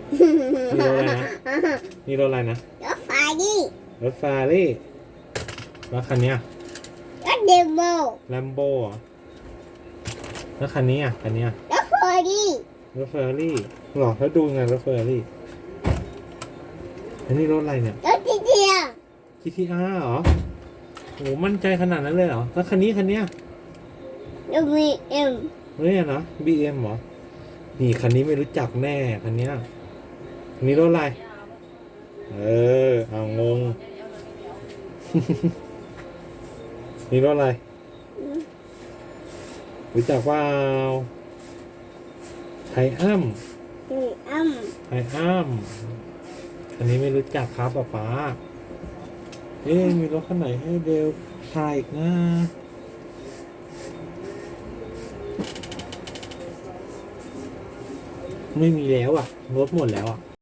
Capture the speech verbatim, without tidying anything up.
นี่รถอะไรนะนี่รถอะไรนะรถไฟดิรถฟารี่แล้วคันเนี้ยรถเดโมแลมโบ้เหรอแล้วคันนี้อ่ะคันเนี้ยรถเฟอร์รี่รถเฟอร์รี่หรอแล้วดูไงรถเฟอร์รี่อันนี้รถอะไรเนี่ยรถจีเทียจี ที อาร์ เหรอโหมั่นใจขนาดนั้นเลยเหรอแล้วคันนี้คันเนี้ยรถบีเอ็มเนี่ยนะ บี เอ็ม เหรอนี่คันนี้ไม่รู้จักแน่คันเนี้ยคันนี้รถอะไรเออเอางง นี่รถอะไรรู้จักว่าไทอัมนี่อ้ำไทอัมคันนี้ไม่รู้จักครับป๊าป๊าเอ๊ะมีรถคันไหนให้เดลถ่ายอีกนะไม่มีแล้วอ่ะรถหมดแล้วอ่ะ